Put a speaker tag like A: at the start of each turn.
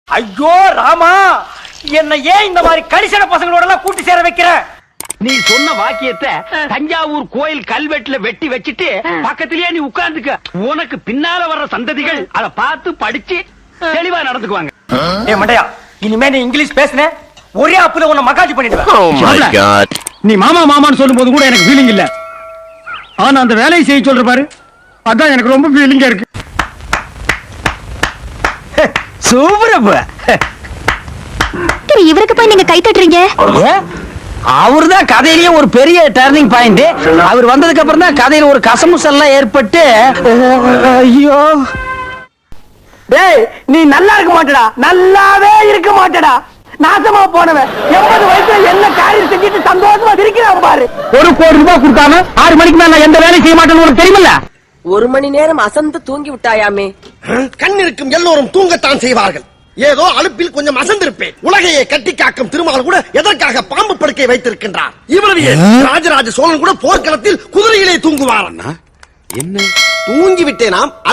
A: ஐயோ ராமா, என்ன ஏன் இந்த மாதிரி கரிசன பசங்களோட எல்லாம் கூட்டி சேர வைக்கிற?
B: நீ சொன்ன வாக்கியத்தை தஞ்சாவூர் கோயில் கல்வெட்டுல வெட்டி வச்சிட்டு பக்கத்திலேயே நீ உட்கார்ந்துக்க. உனக்கு பின்னால வர்ற சந்ததிகள் அத பார்த்து படிச்சு தெளிவா நடந்துக்குவாங்க.
A: ஏ மண்டையா, இனிமே நீ இங்கிலீஷ் பேசுன ஒரே அப்புல உன்னை மகாஜி பண்ணிடுவேன்.
C: Oh my God.
D: நீ மாமா மாமான்னு சொல்லும் போது கூட எனக்கு ஃபீலிங் இல்ல. ஆனா அந்த வேலையை செய்ய சொல்ற பாரு, அதான் எனக்கு ரொம்ப ஃபீலிங்கா இருக்கு.
B: சூப்பரப்ப
E: இவருக்கு போய் நீங்க கை தட்டுறீங்க?
B: அவர்தான் கதையிலேயே ஒரு பெரிய டர்னிங் பாயிண்ட். அவர் வந்ததுக்கு அப்புறம் தான் கதையில ஒரு கசமுசல்லாம் ஏற்பட்டு. ஐயோ
A: டேய், நீ நல்லா இருக்க மாட்டடா, நல்லாவே இருக்க மாட்டடா. நாசமா போனவன் 80 வயசுல என்ன காரியம் செஞ்சுட்டு சந்தோஷமா இருக்கிறான் பாரு.
D: 1 கோடி ரூபாய் கொடுக்காம 6 மணிக்கு மேல எந்த வேலையும் செய்ய மாட்டேன்னு உனக்கு தெரியுமில்ல?
F: 1 மணி நேரம் அசந்து தூங்கி விட்டாயாமே.
G: கண் இருக்கும் எல்லோரும் தூங்கத்தான் செய்வார்கள். ஏதோ அலுப்பில் கொஞ்சம் அசந்திருப்பேன். உலகையே கட்டி காக்கும் திருமால் கூட எதற்காக பாம்பு படுக்கை வைத்திருக்கின்றார்? இவ்வளவு ராஜராஜ சோழன் கூட போர்க்களத்தில் குதிரையிலே தூங்குவார்.
H: என்ன
G: தூங்கி விட்டேனாம்.